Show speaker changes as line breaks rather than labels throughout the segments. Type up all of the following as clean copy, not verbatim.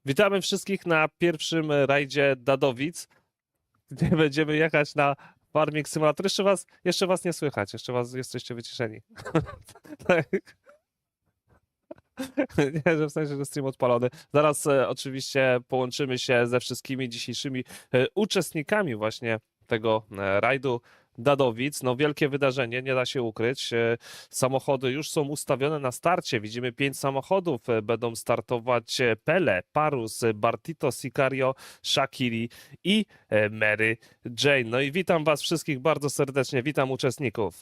Witamy wszystkich na pierwszym rajdzie Dadowic, gdzie będziemy jechać na Farming Simulator. Jeszcze was nie słychać, jesteście wyciszeni. Tak. Nie, że w sensie, że stream odpalony. Zaraz oczywiście połączymy się ze wszystkimi dzisiejszymi uczestnikami właśnie tego rajdu Dadowic. No wielkie wydarzenie, nie da się ukryć. Samochody już są ustawione na starcie. Widzimy 5 samochodów. Będą startować Pele, Parus, Bartito, Sicario, Shakiri i Mary Jane. No i witam was wszystkich bardzo serdecznie. Witam uczestników.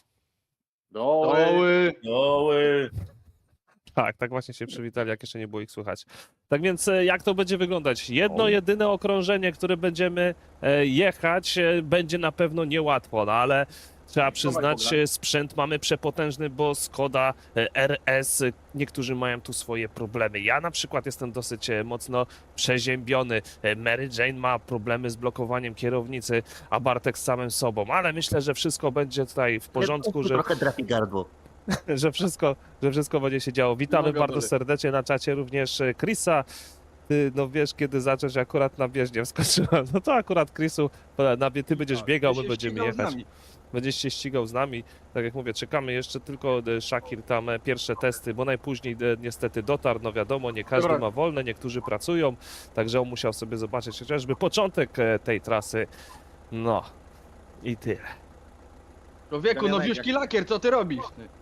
Doły.
Tak właśnie się przywitali, jak jeszcze nie było ich słychać. Tak więc jak to będzie wyglądać? Jedno, jedyne okrążenie, które będziemy jechać, będzie na pewno niełatwo, no ale trzeba przyznać, sprzęt mamy przepotężny, bo Skoda RS, niektórzy mają tu swoje problemy. Ja na przykład jestem dosyć mocno przeziębiony. Mary Jane ma problemy z blokowaniem kierownicy, a Bartek z samym sobą, ale myślę, że wszystko będzie tutaj w porządku, że...
Trochę trafi gardło.
że wszystko będzie się działo. Witamy bardzo serdecznie na czacie również Chrisa. Ty, no wiesz, kiedy zacząć, akurat na bieżnię wskoczyłem. No to akurat Chrisu, ty będziesz biegał, my będziemy jechać. Będziesz się ścigał z nami. Tak jak mówię, czekamy jeszcze tylko Shakir tam pierwsze testy, bo najpóźniej niestety dotarł. No wiadomo, nie każdy ma wolne, niektórzy pracują, także on musiał sobie zobaczyć chociażby początek tej trasy. No i tyle.
Człowieku, nowiuszki lakier, co ty robisz?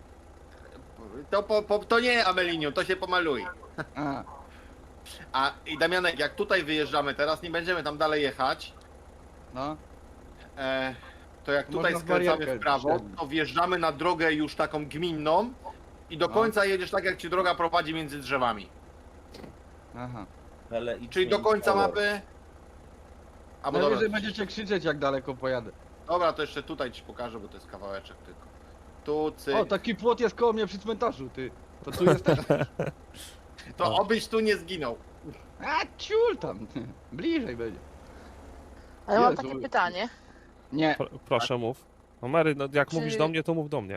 To nie Amelinium, to się pomaluje. I Damianek, jak tutaj wyjeżdżamy teraz, nie będziemy tam dalej jechać,
No.
to jak tutaj
Można
skręcamy
barierkę
w prawo,
wsiadnąć.
to wjeżdżamy na drogę już taką gminną i do
No.
końca jedziesz tak, jak ci droga prowadzi między drzewami.
Aha.
Czyli do końca mapy... Albo
Najwyżej
dobra,
będziecie krzyczeć, jak daleko pojadę.
dobra, to jeszcze tutaj ci pokażę, bo to jest kawałeczek tylko. Tu, cyk.
O, taki płot jest koło mnie przy cmentarzu, ty. To tu jesteś.
To obyś tu nie zginął.
A, ciul tam. Bliżej będzie.
Ale mam
Jezu.
takie pytanie.
Nie.
Proszę mów. No Mary, no jak
Czy-
mówisz do mnie, to mów do mnie.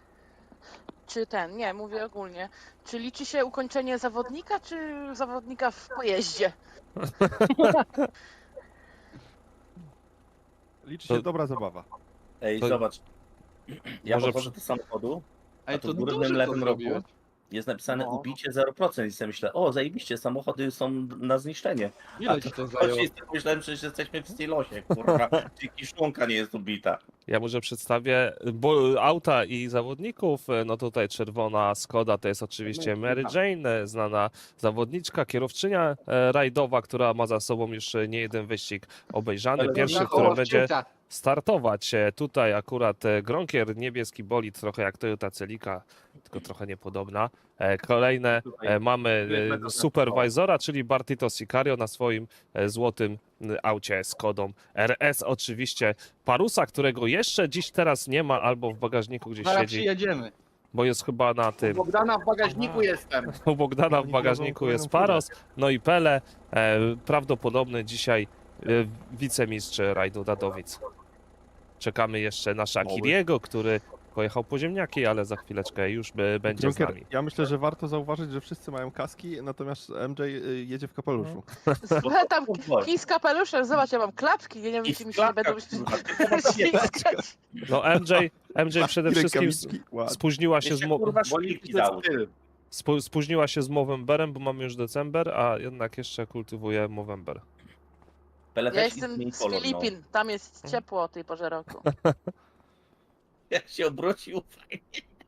Nie, mówię ogólnie. Czy liczy się ukończenie zawodnika, czy zawodnika w pojeździe?
Liczy
To-
się dobra zabawa.
Ej,
To-
zobacz. Ja
Może
podchodzę do samochodu,
Ej,
a tu
to
w górnym
dobrze
lewym
to
rogu
zrobiłeś.
jest napisane
No.
ubicie 0% i sobie myślę, o zajebiście, samochody są na zniszczenie.
Ile ci to zajęło?
Oczywiście myślałem, że jesteśmy w stylosie, kurwa, czyli kiszonka nie jest ubita.
Ja może przedstawię auta i zawodników. No tutaj czerwona Skoda to jest oczywiście Mary Jane, znana zawodniczka, kierowczynia rajdowa, która ma za sobą już nie jeden wyścig obejrzany.
Ale
Pierwszy,
Na
który
koło
będzie
wcięcia.
startować. Tutaj akurat Gronkier, niebieski bolid, trochę jak Toyota Celica, tylko trochę niepodobna. Kolejne mamy supervisora, czyli Bartito Sicario na swoim złotym aucie Skodą RS. Oczywiście Parusa, którego jeszcze dziś teraz nie ma, albo w bagażniku gdzieś
Zaraz
siedzi,
przyjedziemy.
bo jest chyba na
U
tym.
Bogdana w bagażniku jestem.
U Bogdana w bagażniku jest Paros, no i Pele, prawdopodobny dzisiaj wicemistrz rajdu Dadowic. Czekamy jeszcze na Shakiriego, który pojechał po ziemniaki, ale za chwileczkę już będzie z
Junker,
nami.
ja myślę, że warto zauważyć, że wszyscy mają kaski, natomiast MJ jedzie w kapeluszu.
Tam kij z kapeluszem, zobacz, ja mam klapki, ja nie wiem, czy mi się nie będą ślizgać.
No MJ przede wszystkim spóźniła się z
Kurwa,
Bo
szpilki
to jest
dał.
styl.
spóźniła się z Movemberem, bo mamy już december, a jednak jeszcze kultywuje Movember.
Pele
Ja
też
jestem
zmieni
z
kolor, no.
Filipin, tam jest ciepło o tej porze roku.
Jak się obrócił, fajnie.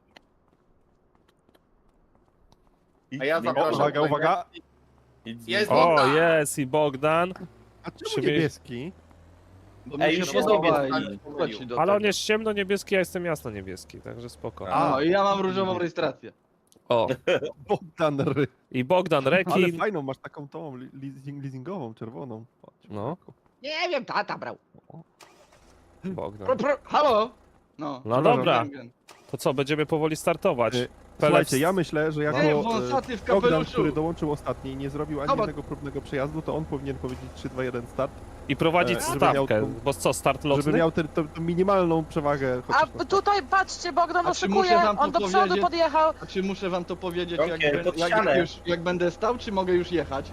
A ja zapraszam.
Uwaga, uwaga.
Jest
O,
Bogdan.
jest i Bogdan,
A czemu
Siebie-
niebieski?
Bo
Ej,
mi
już
się
jest
podoba
niebieski.
i wchodzi do
ale on
tego.
jest ciemno-niebieski, ja jestem jasno-niebieski, także spoko.
A, i ja mam różową rejestrację.
O,
Bogdan Ry.
i Bogdan
Ale
Rekin.
fajną, masz taką tą leasingową, czerwoną. Patrz,
No.
Nie wiem, tata brał.
Bogdan.
Halo? No.
No dobra, to co, będziemy powoli startować.
Słuchajcie, ja myślę, że jako
Ej, wąsaty w
Bogdan,
kapeluszu.
który dołączył ostatni i nie zrobił ani
Zobacz.
jednego próbnego przejazdu, to on powinien powiedzieć 3, 2, 1 start,
I prowadzić
żeby miał
stawkę,
tą-
bo co, start
żeby
lotny?
miał tę minimalną przewagę.
A
chociaż na
tutaj patrzcie, Bogdan
A czy
oszukuje,
muszę wam
on do
tu
przodu
powiedzieć?
podjechał.
A czy muszę wam to powiedzieć,
Okej, pod ścianę.
jak będę stał, czy mogę już jechać?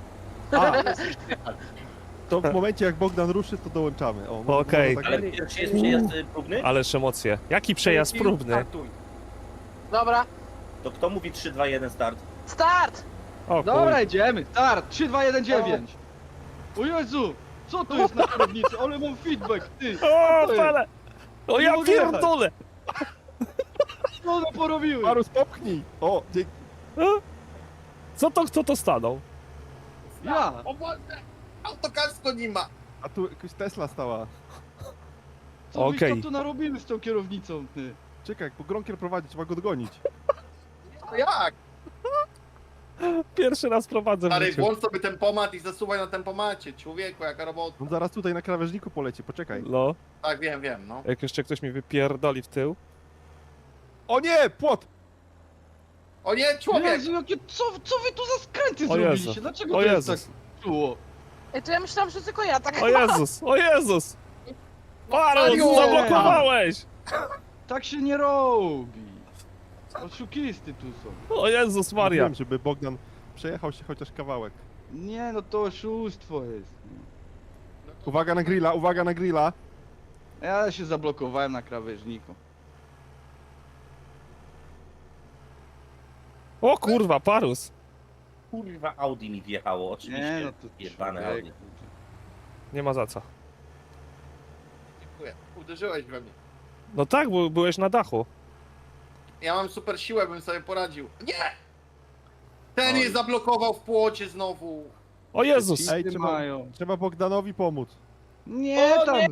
A, to w momencie jak Bogdan ruszy, to dołączamy. O, może
Okej.
tak
Ale
być.
pierwszy jest przejazd próbny?
Ależ emocje. Jaki przejazd próbny?
Startuj.
Dobra,
To kto mówi 3, 2, 1 start?
start!
O
Dobra,
chuj.
idziemy. Start. 3, 2, 1, 9. O Jezu! Co to jest na kierownicy? Ale mam feedback, ty!
O,
to jest?
pale! O, ja
Nie mogę jechać.
pierdolę!
Co one porobiły?
Parus, popchnij! O, dzięki.
Co to, kto to stanął?
Ja!
O Boże! Autokasko nie ma!
A tu jakaś Tesla stała.
Co
Okej.
byś to tu narobiły z tą kierownicą, ty?
Czekaj, bo Gronkier prowadzi, trzeba go dogonić.
No jak?
Pierwszy raz prowadzę w
Stary,
życiu.
włącz sobie tempomat i zasuwaj na tempomacie. Człowieku, jaka robota.
On zaraz tutaj na krawężniku poleci, poczekaj.
No,
Tak, wiem, no.
jak jeszcze ktoś mi wypierdoli w tył.
O nie, płot!
O nie, człowiek!
Jezu, jakie, co wy tu za skręty
O Jezu.
zrobiliście? Dlaczego
O
to jest
Jezus.
tak czuło?
Ej, to ja myślałam, że tylko ja tak
O Jezus, o Jezus! Parus,
Mario!
zablokowałeś!
Tak się nie robi. Oszukisty tu są.
O Jezus Maria.
Wiem, żeby Bogdan przejechał się chociaż kawałek.
Nie, no to oszustwo jest.
Uwaga na grilla, uwaga na grilla.
Ja się zablokowałem na krawężniku.
O kurwa, Parus.
Kurwa, Audi mi wjechało, oczywiście.
Nie, no to
Jebane
człowiek.
Audi.
Nie ma za co.
Dziękuję. Uderzyłeś we mnie.
No tak, bo byłeś na dachu.
Ja mam super siłę, bym sobie poradził. Nie! Ten
Oj.
je zablokował w płocie znowu.
O Jezus!
Ej,
Ty
trzeba,
mają.
trzeba Bogdanowi pomóc.
Nie,
O,
tam.
nie.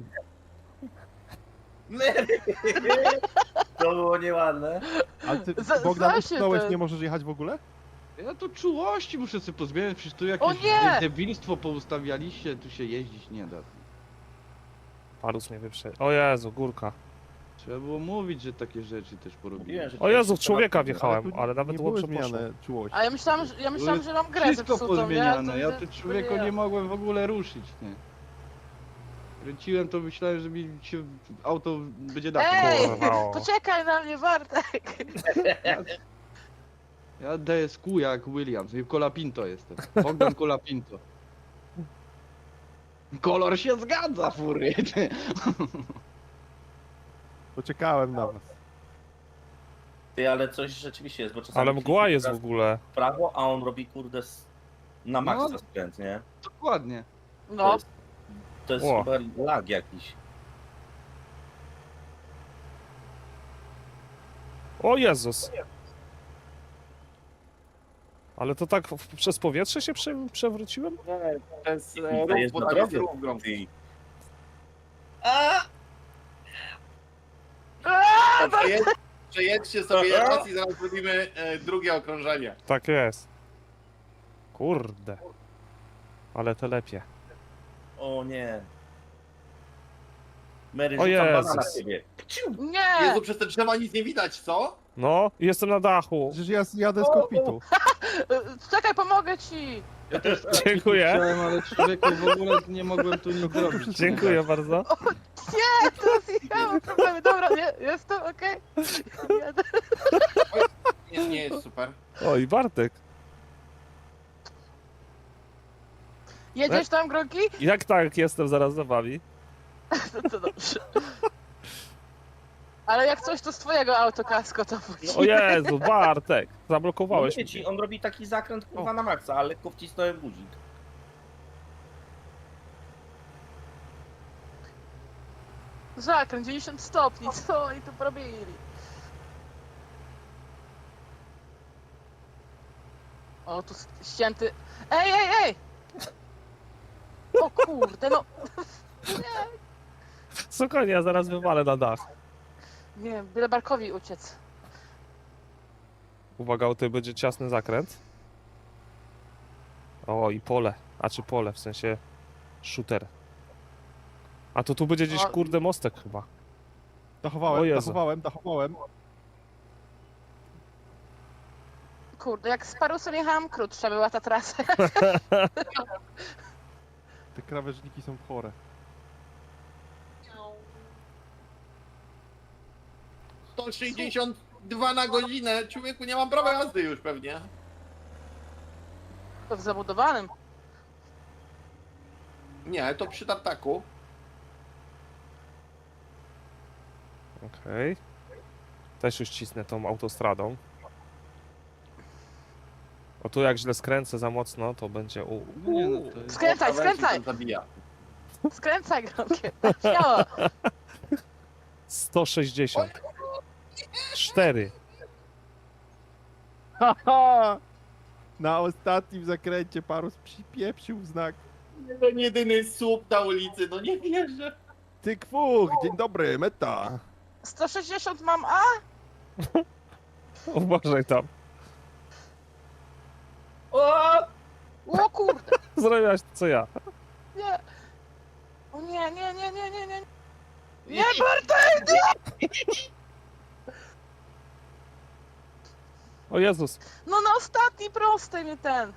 To było nieładne.
Ale ty,
Za-
Bogdan,
za się
utknąłeś,
ten-
nie możesz jechać w ogóle?
Ja to czułości muszę sobie pozbierać, przecież tu
O
jakieś
nie!
debilstwo poustawialiście, tu się jeździć nie da.
Parus mnie wyprzedził. O Jezu, górka.
Trzeba było mówić, że takie rzeczy też porobiłem.
Mówiłem, że
O Jezu, w
trzeba-
człowieka
Ale
wjechałem,
tu
ale nawet
nie były
dobrze poszło.
zmiany czułości.
A ja myślałam, że mam grę
Wszystko
zepsutą,
pozmieniane,
nie?
ja
To
tu
nie-
człowieku
to
nie mogłem w ogóle ruszyć, nie. Kręciłem to, myślałem, że mi się auto będzie dać.
Ej!
Kurwa, o.
Poczekaj na mnie, Bartek!
Ja DSQ jak Williams, i Colapinto jestem. Bogdan Colapinto. Kolor się zgadza, fury.
Poczekałem na was.
Ty, ale coś rzeczywiście jest, bo czasami...
Ale mgła jest w
teraz
ogóle.
w prawo, a on robi kurde na maksa
No.
skręt, nie?
Dokładnie.
No,
To jest
O.
chyba lag jakiś.
O Jezus! Ale to tak przez powietrze się przewróciłem?
To jest
To
rów,
jest
bo
na
tam jest
drodze.
rów gromki.
Ty.
Przejedźcie sobie raz i zaraz zrobimy drugie okrążenie.
Tak jest. Kurde. Ale to lepiej.
O nie. Mary,
O
rzucam
Jezus.
banana na ciebie.
nie!
Jezu, przez te drzewa nic nie widać, co?
No, jestem na dachu.
Przecież ja jadę z kokpitu.
Czekaj, pomogę ci!
Ja też
Dziękuję.
chciałem, ale człowieku w ogóle nie mogłem tu nic zrobić.
Dziękuję bardzo.
Nie, teraz ja mam problemy. Dobra, nie, jestem, okej. Jadę.
Nie jest super.
Oj, Bartek.
Jedziesz tam, Gronki?
Jak tak, jestem zaraz za wami.
To dobrze. Ale jak coś, to z twojego autokasko to później.
O Jezu, Bartek. Zablokowałeś
Mówię ci,
mnie.
on robi taki zakręt kurwa na maksa, ale lekko wcisnąłem guzik.
Zakręt 90 stopni, co oni tu robili? O, tu ścięty... Ej, ej, ej! O kurde, no...
Spokojnie, ja zaraz wywalę na dach.
Nie wiem, byle Barkowi uciec.
Uwaga, tutaj będzie ciasny zakręt. O, i pole. A czy pole, w sensie shooter. A to tu będzie gdzieś,
O.
kurde, mostek chyba. O
Dachowałem,
Jezu.
dachowałem.
Kurde, jak z Parusem jechałam, krótsza była ta trasa.
Te krawężniki są chore.
To 162 na godzinę. Człowieku, nie mam prawa jazdy już pewnie.
To w zabudowanym.
Nie, to przy tartaku.
Okej. Też już cisnę tą autostradą. O tu jak źle skręcę za mocno, to będzie
No nie, no to jest...
Skręcaj,
O, krawędzi
skręcaj!
tam Zabija.
Skręcaj, Gronkier. Śmiało.
160. 4.
Haha! Na ostatnim zakręcie Parus przypieprzył w znak.
Jeden jedyny słup na ulicy, no nie wierzę.
Ty kwuch, dzień dobry, meta.
160 mam A?
Uważaj tam.
O kurde.
Zrobiłaś to co ja.
Nie. O nie, nie, nie, nie, nie, nie. Nie, Bartek! Nie!
O Jezus.
No na ostatni prostej mnie ten.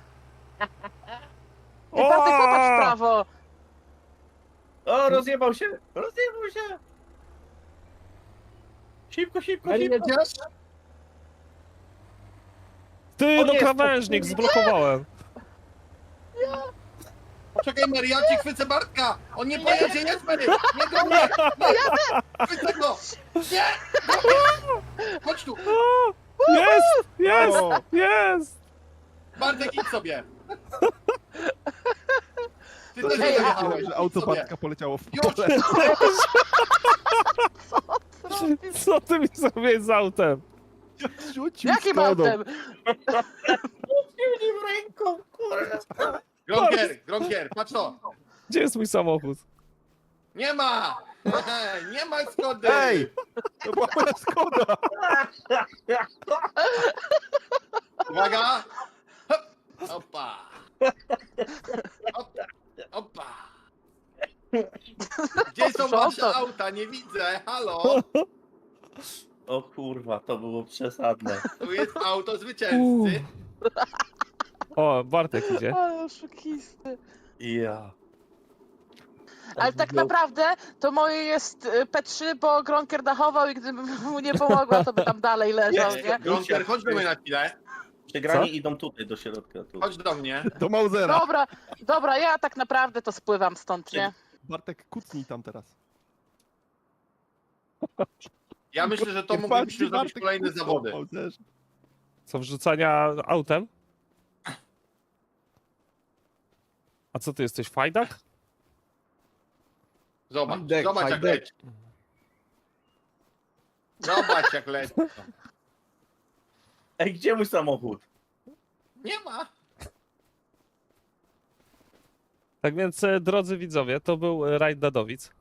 O!
I Bartek, popatrz w prawo.
O, rozjebał się! Rozjebał się! Szybko, szybko,
Mary,
szybko!
jedziesz?
Ty,
O
no
nie,
krawężnik, zblokowałem.
Poczekaj, Mary, ja ci chwycę Bartka! On nie pojedzie, jest Mary! Nie do mnie! Nie! Chwycę go! Nie! Chodź tu!
Jest! Jest!
O,
Jest!
Bartek, idź sobie! Ty też
Ej,
nie
a-
dojechałeś,
że
idź
auto
sobie.
Bartka poleciało w
Już!
pole.
Co ty mi zrobiłeś z autem?
Rzucił
Jakim
Skodą.
autem?
w ręką, kurwa!
Gronkier, patrz to!
Gdzie jest mój samochód?
Nie ma! Nie ma Skody!
Ej! To była moja Skoda!
Uwaga! Hop! Opa! Hop! Opa! Gdzie są wasze auta? Nie widzę! Halo!
O kurwa, to było przesadne.
Tu jest auto zwycięzcy.
O, Bartek idzie.
Ale oszukisty.
Ja.
Ale tak naprawdę to moje jest P3, bo Gronkier dachował i gdybym mu nie pomogła, to by tam dalej leżał, nie?
Gronkier, chodź do mnie na chwilę.
Przegrani idą tutaj do środka. Tu.
Chodź do mnie.
Do Mausera.
Dobra, dobra, ja tak naprawdę to spływam stąd, nie?
Bartek, kucnij tam teraz.
Ja myślę, że to
Nie
moglibyśmy
patrzcie,
zrobić
Bartek,
kolejne
kucnął
zawody.
w Mauserze.
Co, wrzucania autem? A co ty jesteś, fajdak?
Zobacz,
Fajtek,
zobacz jak
fajtek.
leci. Zobacz jak leci.
Ej, gdzie mój samochód?
Nie ma.
Tak więc, drodzy widzowie, to był rajd Dadowic.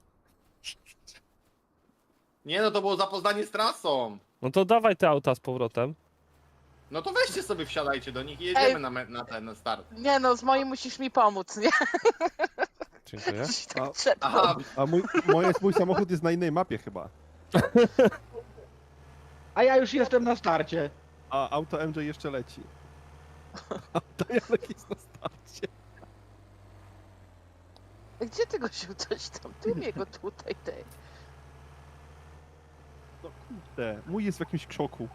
Nie no, to było zapoznanie z trasą.
No to dawaj te auta z powrotem.
No to weźcie sobie, wsiadajcie do nich i jedziemy
Ej.
na start.
Nie no, z moim musisz mi pomóc, nie?
Dziękuję.
Coś tak
A-
trzeba.
Aha,
A mój samochód jest na innej mapie chyba.
A ja już jestem na starcie.
A auto MJ jeszcze leci. Auto Janek jest na starcie.
Gdzie ty go się coś tam? Ty mnie go tutaj, ty.
No kurde, mój jest w jakimś krzoku.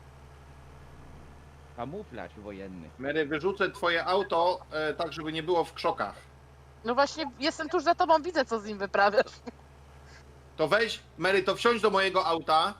Kamuflaż wojenny.
Mary, wyrzucę twoje auto tak, żeby nie było w krzokach.
No właśnie, jestem tuż za tobą, widzę co z nim wyprawiasz.
To weź, Mary, to wsiądź do mojego auta.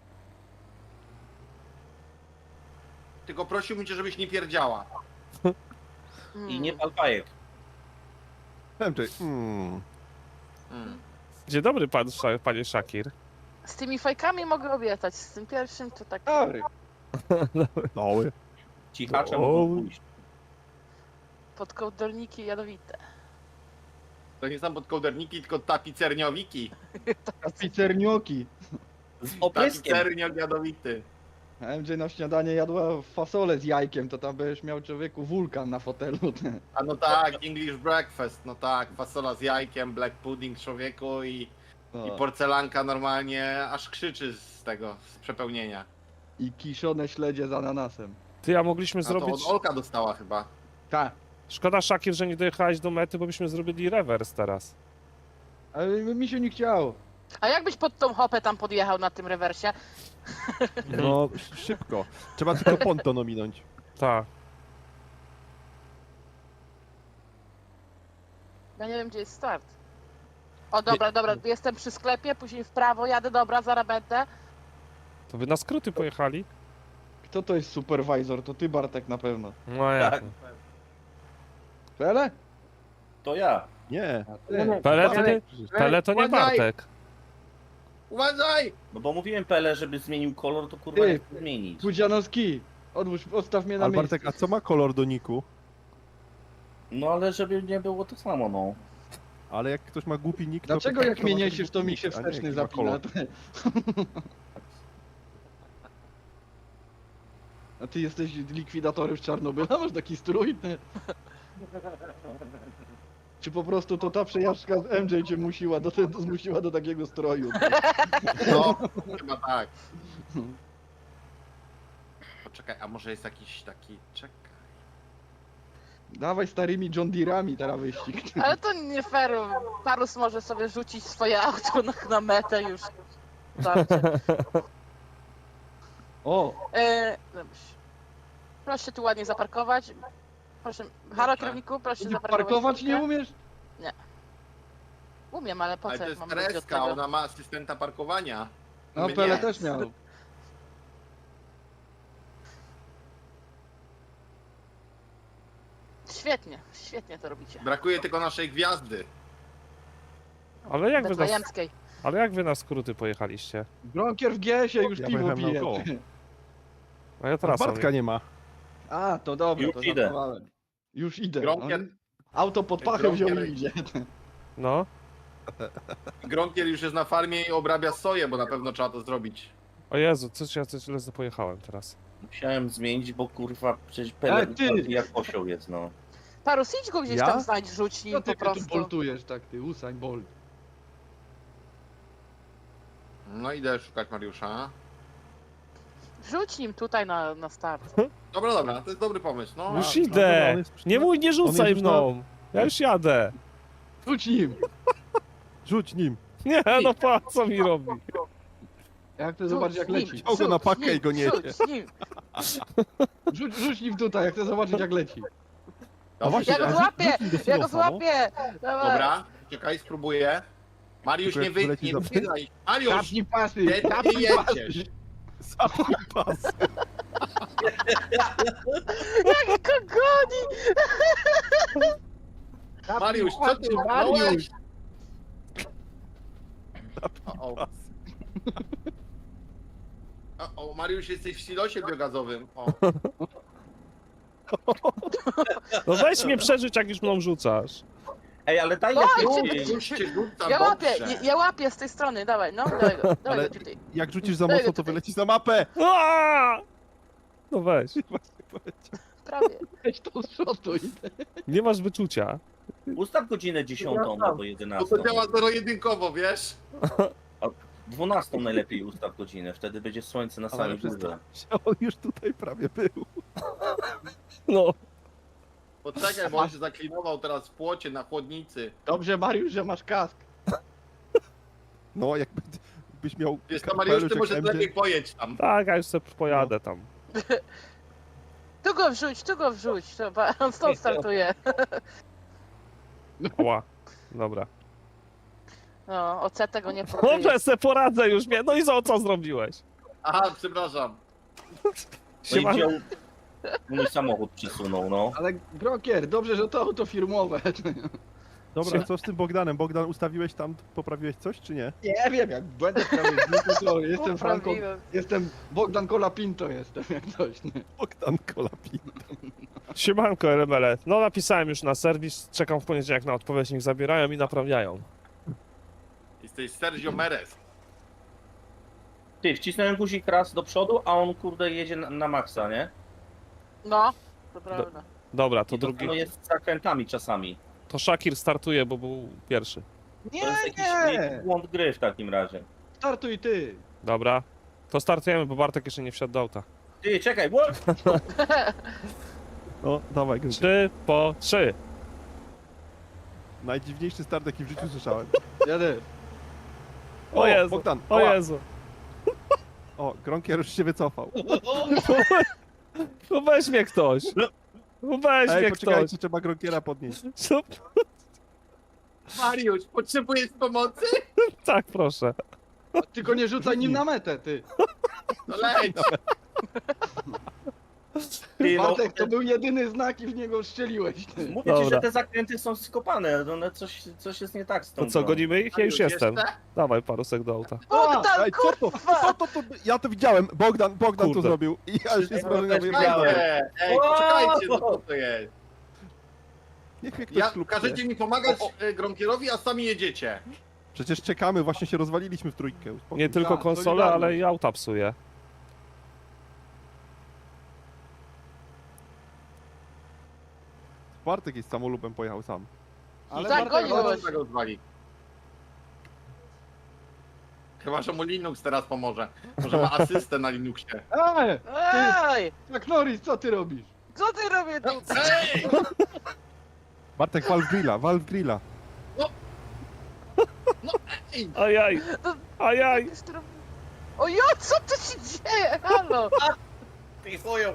Tylko prosiłbym cię, żebyś nie pierdziała.
I nie pal fajek.
MJ,
Mm.
Dzień dobry, panie Shakir.
Z tymi fajkami mogę obiecać, z tym pierwszym to tak...
Dobry.
doły.
Cichacze
O.
mogą pójść.
Podkołdolniki jadowite.
To nie są podkołderniki, tylko tapicerniowniki.
Pizernioki.
Z opryskiem.
Tapicerniok jadowity.
MJ na śniadanie jadła fasolę z jajkiem, to tam będziesz miał człowieku wulkan na fotelu.
A no tak, English breakfast, no tak, fasola z jajkiem, black pudding człowieku i porcelanka normalnie aż krzyczy z tego, z przepełnienia.
I kiszone śledzie z ananasem.
Ty, a mogliśmy
A to
zrobić...
od Olka dostała chyba.
Tak.
Szkoda, Shakir, że nie dojechałeś do mety, bo byśmy zrobili rewers teraz.
Ale mi się nie chciało.
A jakbyś pod tą hopę tam podjechał na tym rewersie?
No szybko. Trzeba tylko ponton ominąć.
Tak.
Ja nie wiem, gdzie jest start. O, dobra, jestem przy sklepie, później w prawo jadę, dobra, zaraz będę.
To wy na skróty pojechali?
Kto to jest supervisor? To ty, Bartek, na pewno.
No jak?
Tak,
Pele?
to ja.
Nie.
A ty.
Pele to nie, Pele to nie
Uważaj!
Bartek.
Uważaj!
No bo mówiłem Pele, żeby zmienił kolor, to kurwa
Ty.
nie chcę zmienić.
Pudzianowski, odstaw mnie na
Ale
miejsce.
Bartek, a co ma kolor do niku?
No ale żeby nie było to samo, no.
Ale jak ktoś ma głupi nick, to...
Dlaczego
to
jak
ma
mnie
taki
niesiesz, to
głupi
mi się
nick, a nie
wsteczny
jaki ma
zapina?
kolor.
A ty jesteś likwidatorem z Czarnobyla? Masz taki strój? Czy po prostu to ta przejażdżka z MJ cię zmusiła do takiego stroju?
No, chyba tak. Poczekaj, a może jest jakiś taki... Czekaj.
Dawaj starymi John Deere'ami teraz wyścig.
Ale to nie fair. Parus może sobie rzucić swoje auto na metę już. Dobrze.
O,
Dobrze. Proszę się tu ładnie zaparkować. Proszę, halo kierowniku, proszę się
ty
zaparkować.
parkować nie
chwilkę.
umiesz?
Umiem, ale po
Ale
co
to
jak
jest
mam robić od
Tereska,
tego?
ona ma asystenta parkowania.
No
My
Pele
nie.
też miał.
Świetnie, świetnie to robicie.
Brakuje tylko naszej gwiazdy.
Ale jak wy na,
Betlejemskiej.
ale jak wy na skróty pojechaliście?
Gronkier w GS-ie już
Ja
piwo
pojechałem
pije.
naokoło.
A ja
A
teraz
Bartka nie ma.
A, to dobra,
Już
to
idę.
żartowałem. Już idę.
Gronkier,
Auto pod pachę wziął
Gronkier-
i idzie.
No.
Gronkier już jest na farmie i obrabia soję, bo na pewno trzeba to zrobić.
O Jezu, coś ja coś źle pojechałem teraz.
Musiałem zmienić, bo kurwa przecież Pele
ty!
jak osioł jest, no.
Parus, idź go gdzieś
Ja?
tam znajdź, rzuć
Co
nim
ty
po
tu
prostu.
boltujesz tak, ty Usain Bolt?
No idę szukać Mariusza.
Rzuć nim tutaj na start.
Dobra, to jest dobry pomysł, no.
Już
dobra,
idę!
on jest już
Nie
na-
mój, nie rzucaj
już na-
mną! Ja już jadę!
Rzuć nim!
Rzuć nim.
Nie, no po co mi robi?
Jak chcę zobaczyć jak leci.
Wziął go na pakę i go niesie.
Rzuć nim.
Rzuć nim tutaj, jak chcę zobaczyć jak leci.
A właśnie,
Ja go
a
złapię!
rzuć nim do
Ja go
silosa, no.
złapię! Dawaj.
Dobra, czekaj, spróbuję. Mariusz,
Tylko
nie
jak
wyjdź,
wyleci
nie
za-
wychylaj. Mariusz,
Tapnij pasy!
gdzie ty
Tapnij
jedziesz?
Zapnij pas.
Jak go goni!
Mariusz, co ty
Mariusz!
robisz?
Zapnij
O,
pas.
o, Mariusz, jesteś w silosie biogazowym. O.
No weź mnie przeżyć, jak już mną rzucasz.
Ej, ale daj
Oj,
jakieś...
Już cię rzucam,
Ja łapię,
dobrze.
ja łapię z tej strony, dawaj, no, dawaj go
Ale
tutaj.
jak rzucisz za
Daj
mocno,
go
to
tutaj.
wyleci za mapę.
Aaaa! No weź,
Właśnie powiedział.
Prawie.
Weź to szotuj.
nie masz wyczucia.
Ustaw godzinę 10 albo 11.
Bo to działa zero-jedynkowo, wiesz?
12 najlepiej ustaw godzinę, wtedy będzie słońce na
Ale
samej
przestań
górze.
się, on już tutaj prawie był.
No.
Poczekaj, bo on się zaklinował teraz w płocie na chłodnicy.
Dobrze Mariusz, że masz kask.
No, jakbyś miał...
Wiesz to, Mariusz, ty
kapelusz
może
jak MJ.
lepiej pojedź tam.
Tak, ja już sobie pojadę tam.
Tu go wrzuć, dobra, on stąd startuje.
Ała. Dobra.
No, OC tego nie próbuje.
Dobrze, se poradzę już mnie. No i co zrobiłeś?
Aha, przepraszam.
No i
Siema.
wziął... Mój samochód przesunął, no.
Ale Gronkier, dobrze, że to auto firmowe.
Dobra, co z tym Bogdanem? Bogdan, ustawiłeś tam, poprawiłeś coś, czy nie?
Nie wiem, jak będę prawie to jestem Franco,
Poprawiłem.
jestem Bogdan Colapinto jestem, jak coś. Nie?
Bogdan Kolapin.
Siemanko, RML. No napisałem już na serwis, czekam w poniedziałek na odpowiedź, niech zabierają i naprawiają.
Jesteś Sergio Merez.
Ty, wcisnąłem guzik raz do przodu, a on kurde jedzie na maksa, nie?
No, to prawda.
Dobra, to
I to
drugi.
samo jest z zakrętami czasami.
To Shakir startuje, bo był pierwszy.
To jest jakiś błąd gry w takim razie.
Startuj ty.
Dobra. To startujemy, bo Bartek jeszcze nie wsiadł do auta.
Ty, czekaj, what?
No, dawaj, Gry.
3 po 3.
Najdziwniejszy start, jaki w życiu słyszałem.
Jadę.
O Jezu,
Bogdan,
o
ała.
Jezu.
O, Gronkier już się wycofał.
No weź mnie ktoś. No weź
Ej,
mnie ktoś.
poczekajcie, trzeba Gronkiera podnieść.
Co?
Mariusz, potrzebujesz pomocy?
Tak, proszę.
Tylko nie rzucaj nim na metę, ty.
No leć.
Ty, no,
Bartek, to był jedyny znak i w niego strzeliłeś, ty.
mówię ci,
Dobra.
że te zakręty są skopane, no, coś jest nie tak z tą
To co,
grą.
gonimy ich? Ja już
Mariusz,
jestem.
jeszcze?
Dawaj, parusek do auta.
Bogdan,
Ej, co to?
kurwa!
Ja to widziałem. Bogdan to
Kurde.
zrobił. I ja już jest
Ja
wrażenia
też
wyjechałem.
widziałem.
Ej, poczekajcie, no co to jest?
Niech mnie ktoś
Ja,
klubnie.
każecie mi pomagać Gronkierowi, a sami jedziecie.
Przecież czekamy, właśnie się rozwaliliśmy w trójkę. Uspokój
Nie
się.
tylko
Tak,
konsolę,
solidarność.
ale i auta psuje.
Bartek jest samolubem, pojechał sam.
Ale
Tak,
Bartek,
gonił.
Zaraz tego zwali. Chyba, że mu Linux teraz pomoże. Może ma asystę na Linuxie.
Ej!
tak Norris, co ty robisz?
Co ty robisz tu?
Ej!
Bartek, Valve Grilla.
Ej!
Ajaj! Ajaj!
Ojo, co tu się dzieje? Halo!
Ty chuju.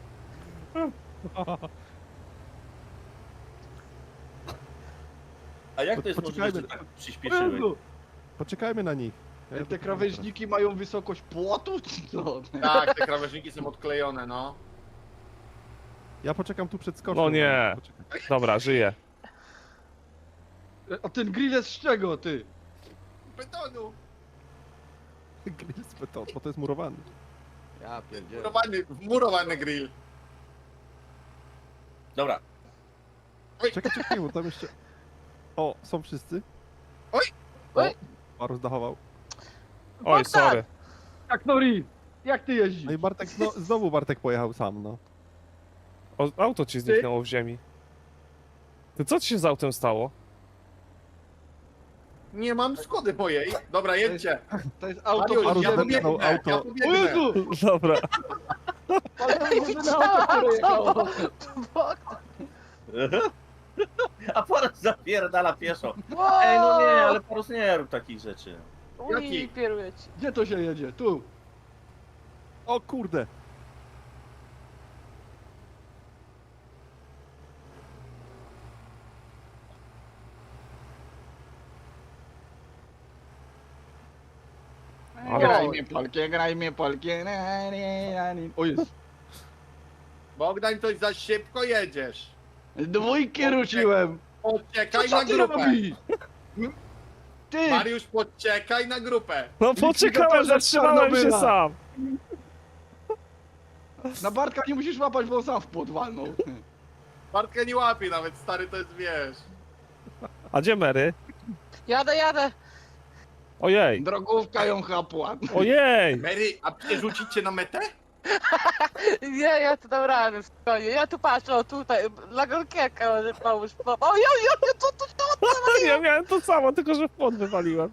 A jak to jest możliwe, że
Poczekajmy.
tak przyspieszyły?
Poczekajmy na nich.
Te krawężniki mają wysokość płotu, czy co?
Tak, te krawężniki są odklejone, no.
Ja poczekam tu przed skoczem.
No nie.
Poczekaj.
Dobra, żyję.
A ten grill jest z czego, ty?
Betonu!
Grill z beton, bo to jest murowany.
Ja pierdzielę.
Wmurowany grill.
Dobra,
Czekaj, bo tam jeszcze... O, są wszyscy?
Oj!
O,
Oj!
Parus dachował.
Oj,
Bogdan!
sorry.
Tak Norris, jak ty jeździsz?
No i Bartek, znowu Bartek pojechał sam, no.
O, auto ci zniknęło w ziemi. Ty co ci się z autem stało?
Nie mam Skody mojej. Dobra, jedźcie.
To jest auto
Mariusz,
Parus
ja
wepchnął
pobiegnę,
auto.
ja
O
pobiegnę.
Jezu!
Dobra.
Ale jedyne auto, które jechało.
Bogdan!
a Parus zapierdala pieszo. Ej, no nie, ale Parus nie rób takich rzeczy.
Uj,
Jaki?
pieruję ci.
Gdzie to się jedzie? Tu.
O kurde!
Ale-
Graj mnie polkie. O jest.
Bogdan, coś za szybko jedziesz.
Dwójki ruciłem.
Poczekaj
Co
na
ty
grupę.
robisz? Ty!
Mariusz, poczekaj na grupę.
No poczekałem,
Likwidatorze
zatrzymałem się
Czarnobyla.
sam.
Na Bartka nie musisz łapać, bo on sam w płot walnął.
Bartka nie łapie nawet, stary, to jest, wiesz.
A gdzie Mary?
Jadę.
Ojej,
Drogówka ją chapła.
ojej!
Mary, a przerzucić cię na metę?
Nie, ja tu dam radę, spokojnie. Ja tu patrzę, o tutaj, dla Gronkierka może pomóż. Ojoj, co tu się
Ja miałem to samo, tylko że w płot wywaliłem.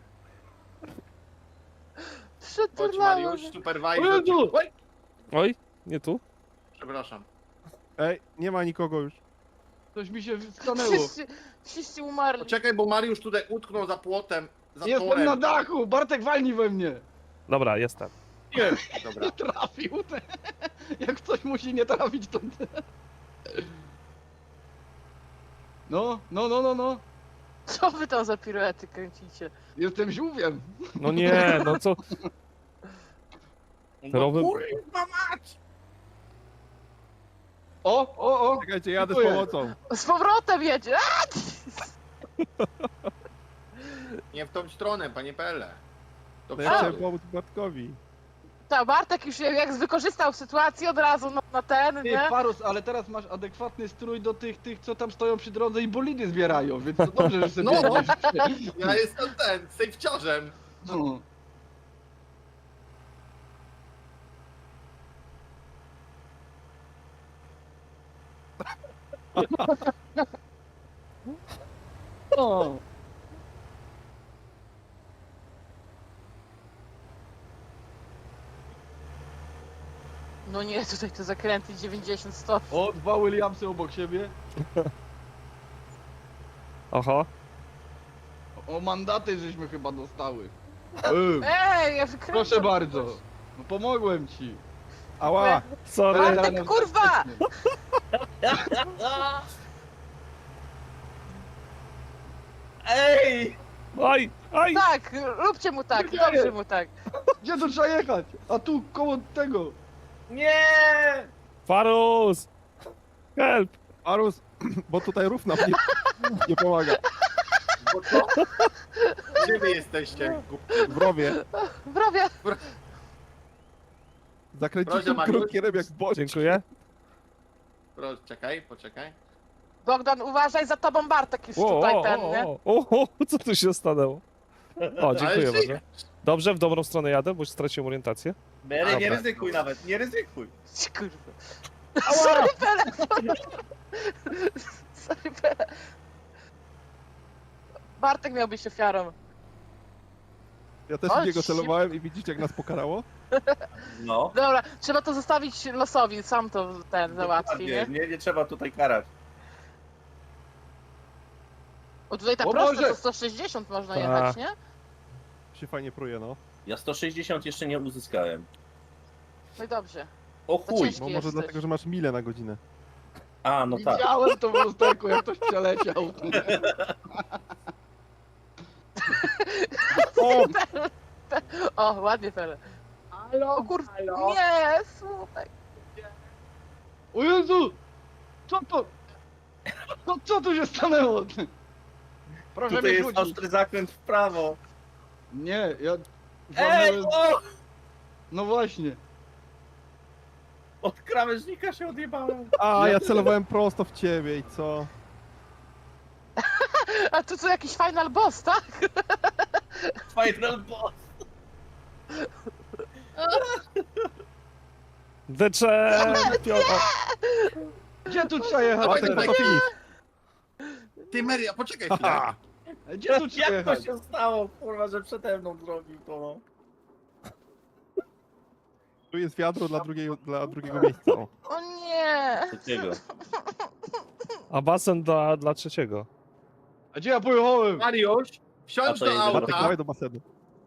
Chodź,
przeturlało?
Mariusz,
O
supervisor.
Jezu!
Oj,
Oj, nie tu?
przepraszam.
Ej, nie ma nikogo już.
Coś mi się stanęło.
Wszyscy umarli.
Poczekaj, bo Mariusz tutaj utknął za płotem, za
Jestem
torem.
na dachu! Bartek walnij we mnie!
Dobra, jestem.
Dobra.
Nie trafił. Jak coś musi nie trafić, to... No.
Co wy tam za piruety kręcicie?
Jestem żółwiem.
No nie, no co?
No
Rowy-
kurwa mać!
O!
Czekajcie, jadę z
Dziękuję.
pomocą.
Z powrotem jedzie! A!
Nie w tą stronę, panie Pele. Do
No ja chciałem
przodu.
pomóc Bartkowi.
Ta Bartek już jak wykorzystał sytuację od razu na ten,
Ty,
nie?
Parus, ale teraz masz adekwatny strój do tych, co tam stoją przy drodze i bolidy zbierają, więc to dobrze, że sobie
No.
jedziesz.
Ja jestem ten, safeciarzem.
No. O.
No nie, tutaj te zakręty 90 stopni.
O, dwa Williamsy obok siebie.
Oho.
O, mandaty żeśmy chyba dostały.
Ej, ja wykręcam.
Proszę bardzo. No, pomogłem ci.
Ała!
Sorry.
Bartek, kurwa!
Ej!
Oj, oj!
Tak, róbcie mu tak, dobrze mu tak.
Gdzie tu trzeba jechać? A tu koło tego.
Nie!
Farus! Help!
Arus, bo tutaj rów nam nie pomaga.
Bo co? Gdzie wy jesteście?
W rowie.
Brawie.
Zakręciłem
Proszę, Mariusz.
kronkierem jak boś.
Dziękuję.
Proszę, czekaj, poczekaj.
Bogdan, uważaj, za tobą Bartek już tutaj ten, nie?
Co tu się stanęło? O, dziękuję
Ale
bardzo. Dobrze, w dobrą stronę jadę, bo już straciłem orientację.
Mary, nie
Dobra.
ryzykuj nawet, nie ryzykuj.
Kurwa. Sorry, Pele. Sorry, Pele. Bartek miał być ofiarą.
Ja też
O,
w niego
shit.
celowałem i widzicie jak nas pokarało?
No.
Dobra, trzeba to zostawić losowi, sam to ten załatwi, nie?
Nie trzeba tutaj karać.
O, tutaj tak
O
prosto
Boże!
to 160 można
Ta.
jechać, nie?
Się fajnie pruje, no.
Ja 160 jeszcze nie uzyskałem.
No i dobrze.
O
To
chuj!
ciężki
No może
jesteś.
dlatego, że masz milę na godzinę.
A, no tak.
Widziałem to w lusterku, jak ktoś przeleciał.
O, ładnie, Pele. O kurwa, nie, słuchaj.
O Jezu! Co to? Co tu się stanęło? Proszę
Tutaj
mnie
jest
rzucić.
ostry zakręt w prawo.
Nie, ja...
Ej, o!
No właśnie.
Od krawężnika się odjebałem.
A, ja celowałem prosto w ciebie i co?
A tu co, jakiś final boss, tak?
Final boss.
The Champion! O,
Gdzie tu trzeba jechać
Dawaj,
teraz?
To finish.
Ty, Mary, a poczekaj chwilę.
haha.
Gdzie tu trzeba
Jak to
jechać?
się stało, kurwa, że przede mną zrobił to, no.
Tu jest wiadro dla drugiego miejsca. O.
O nie.
Takiego.
A basen dla trzeciego.
A gdzie ja pojechałem?
Mariusz, wsiądź
A to
do
jest
Bartek,
auta.
dawaj do basenu.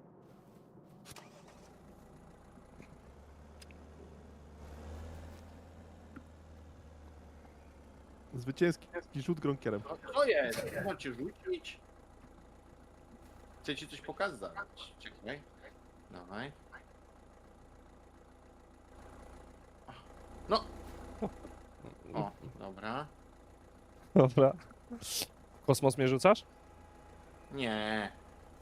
Zwycięski rzut gronkierem.
No, co jest? Chodźcie rzucić. Chcę ci coś pokazać. Czekaj. Dawaj. No. O, dobra.
Dobra. Kosmos mnie rzucasz?
Nie.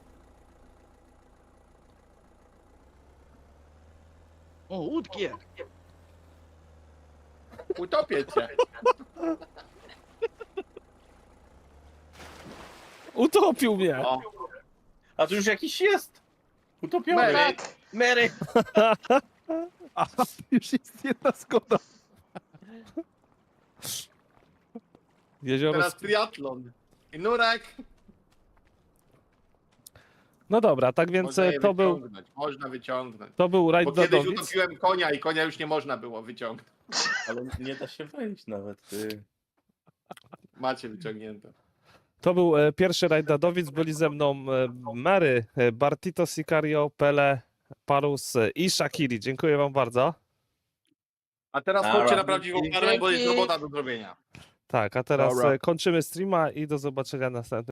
O, łódkie.
Utopię cię.
Utopił mnie!
O,
A tu już jakiś jest. Utopiony.
Mary.
Tak.
Mary.
A, już jest jedna zgoda.
Jezioro...
teraz triatlon. I nurek.
No dobra, tak więc
Można je
to był,
wyciągnąć. Można wyciągnąć.
to był rajd
Bo
dla
kiedyś
Dowic.
utopiłem konia i konia już nie można było wyciągnąć.
Ale nie da się wejść nawet, ty.
Macie wyciągnięte.
To był pierwszy rajd dla Dowic. Byli ze mną Mary, Bartito Sicario, Pele, Parus i Shakiri. Dziękuję wam bardzo.
A teraz
Dobra.
chodźcie na prawdziwą parę, bo jest
Dzięki.
robota do zrobienia.
Tak, a teraz
Dobra.
kończymy streama i do zobaczenia następnym.